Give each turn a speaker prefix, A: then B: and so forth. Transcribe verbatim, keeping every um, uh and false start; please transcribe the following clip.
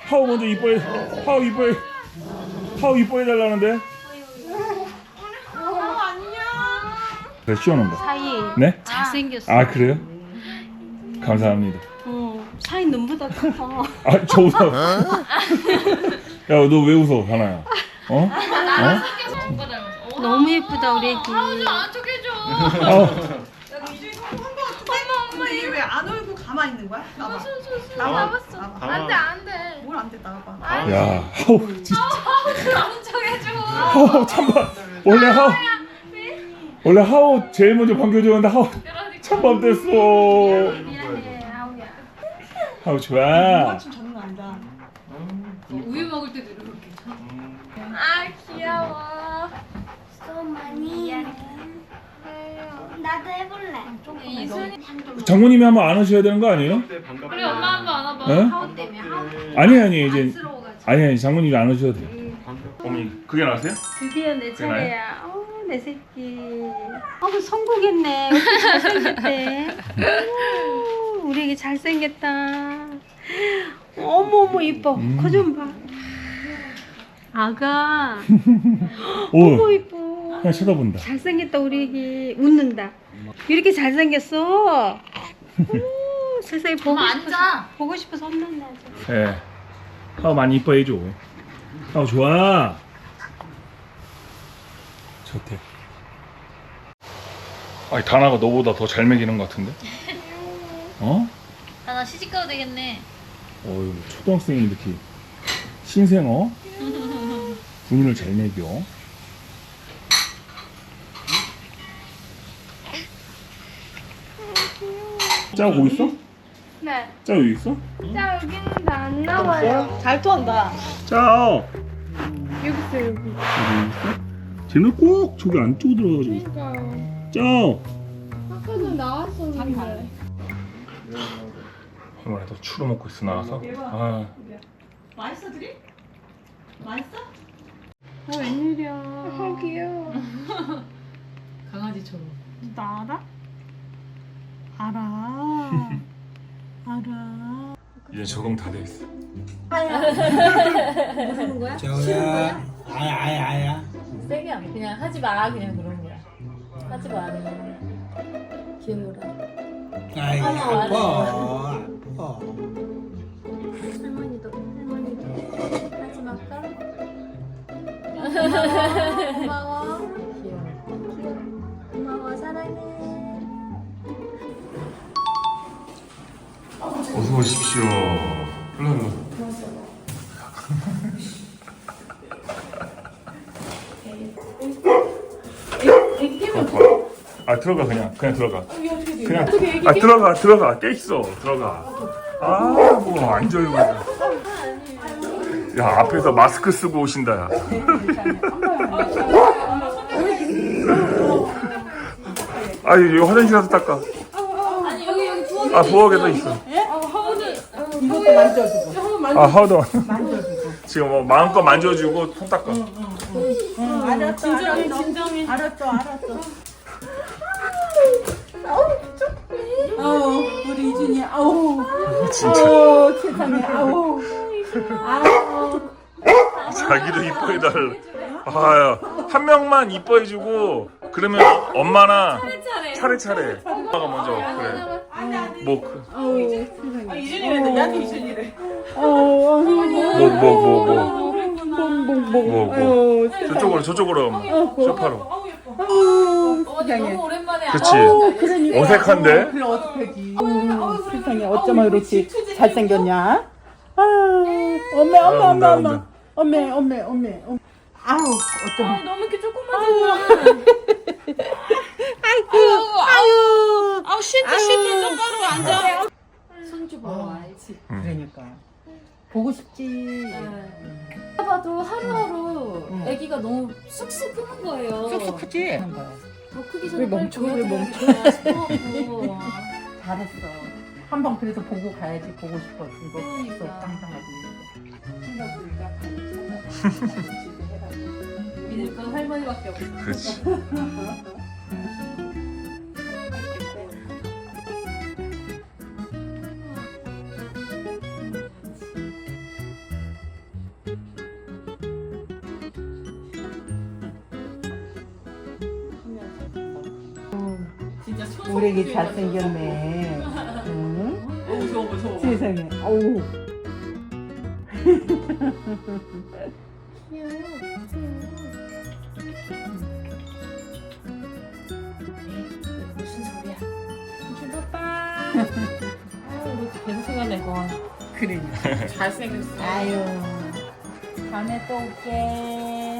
A: 하우 먼저 이뻐해. 하우 이뻐해. 하우 이뻐해 달라는데. 그래 시원한 거.
B: 사이
A: 네?
B: 잘생겼어.
A: 아 그래요? 감사합니다.
B: 어, 사이 눈보다 커.
A: 아 저보다. 야 너 왜 웃어 하나야? 어? 어?
B: 너무 예쁘다 우리 애기.
C: 안 척해줘.
A: 아,
D: 엄마 얘 왜 안 울고 가만히 있는 거야? 나봐.
C: 나봤어.
D: 나봐.
C: 안돼 안돼.
D: 뭘 안 돼, 나봐.
A: 야 하우 진짜.
C: 안 척해줘.
A: 하우 참봐. 원래 하우 원래 하우 제일 먼저 반겨줬는데 하우 참밥 됐어.
B: 미안해 아우야.
A: 하우 좋아.
D: 좀 장난 아니다.
C: 우유 먹을 때도 이렇게. 아 귀여워.
E: 또 많이 나도 해볼래.
C: 이순이.
A: 장모님이 한번 안으셔야 되는 거 아니에요?
C: 우리 엄마 한번 안아봐.
A: 네?
C: 하우 때문에 하우.
A: 아니 아니 이제
C: 스러워가지고.
A: 아니 아니 장모님이 안으셔도 돼요. 어머니 그게 나세요?
B: 드디어 내
A: 그래?
B: 차례야. 어, 내 새끼. 어머 성공했네. 어떻게 잘생겼대. 오, 우리 애기 잘생겼다. 어머 어머 이뻐.
A: 음.
B: 거 좀 봐. 아가.
A: 오
B: 어머 이뻐.
A: 그냥 쳐다본다.
B: 잘생겼다 우리 애기. 웃는다. 이렇게 잘생겼어. 어머, 세상에 보고
C: 엄마
B: 싶어서
C: 앉아.
B: 보고 싶어서 혼난다 아주.
A: 예. 하우 많이 이뻐해 줘. 하우 좋아. 좋대. 아니 다나가 너보다 더 잘 먹이는 것 같은데? 어?
C: 나나 시집 가도 되겠네.
A: 어유 초등학생이 이렇게 신생어 군인을 잘 먹여. 짜 거기 있어?
E: 네.
A: 짜 여기 있어?
E: 자 여기는 안 나와요.
D: 잘 토한다.
A: 짜
E: 여기 있어 여기.
A: 여기 있어? 쟤는 꼭 저기 안쪽으로 들어가가지고
E: 그러니까
A: 짜.
E: 아까도 나왔었는데.
A: 이번에도 추루 먹고 있어 나와서. 아
D: 맛있어, 들이? 맛있어?
B: 어 웬일이야.
E: 아 귀여워.
C: 강아지처럼.
B: 나 알아? 알아. 알아.
A: 이제 적응 다 돼 있어.
F: 저야 아야 아야 아야
C: 세게 안 그냥 하지 마 그냥 그런 거야. 하지 마 그냥. 귀여워라.
F: 아이 아파 아파
C: 할머니도 할머니도 하지 말까? 고마워. 귀여워. 고마워 사랑해.
A: 어서 오십시오. 일로 일로. 아 들어가 그냥 그냥 들어가. 그냥 아 들어가 들어가 깨 있어 들어가. 아뭐 앉아요 그냥. 야 앞에서 마스크 쓰고 오신다. 야. 아 여기 화장실 가서 닦아.
C: 아니 여기 여기 부엌에
A: 아 부엌에도 있어.
D: 이것도 만져주고.
A: 아 하우도 지금 뭐 마음껏 만져주고 손 닦아.
D: 알았어, 진정해, 진정해. 알았어, 알았어. 아우, 우리 이준이, 아우.
A: 진짜
D: 아우, 세상에, 아우. 아우.
A: 자기도 이뻐해달라. 아야 한 명만 이뻐해주고 그러면 엄마나 차례차례 엄마가 먼저 그래. 뭐 그,
D: 아우, 세상에. 이준이래, 나한테 이준이래. 아우,
A: 뭐 뭐 뭐 뭐
D: 뽕뽕뽕.
A: 뭐, 뭐.
D: 아유, 세상에.
A: 저쪽으로 저쪽으로 엄마 소파로.
D: 아우,
C: 어머니
D: 세상에.
C: 너무 오랜만에
A: 그치
D: 아우, 그러니까.
A: 어색한데.
D: 그래, 어떡하지. 아우, 세상에, 어쩌면 이렇게 잘생겼냐? 아, 엄매,
A: 아,
D: 엄매,
A: 온다,
D: 엄매,
A: 온다.
D: 엄매, 엄매, 엄매, 엄매. 아우, 어쩌면.
C: 너무 이렇게 조금만
D: 아이고, 아유.
C: 아우 쉴때 쉴때 똑바로 앉아. 손주 보러 와야지.
D: 그러니까. 보고 싶지.
C: 봐도 하루하루 아기가 너무 쑥쑥 크는 거예요.
D: 쑥쑥 크지?
C: 더 크기
D: 왜
C: 전에 빨리
D: 멈춰, 왜 멈춰?
C: 보여줘야 싶어갖고.
D: 잘했어. 한 번 그래서 보고 가야지. 보고 싶어. 이거 있어.
C: 그러니까.
D: 깜깜하지.
C: 믿을 건 할머니밖에 없어.
A: 그렇지.
D: 우리 애기 잘생겼네. 응? 세상에. 어우.
C: 무슨 소리야? 삼촌 오빠. 아유, 계속 생각내고.
D: 그러니까.
C: 잘생겼어.
D: 아유. 다음에 또 올게.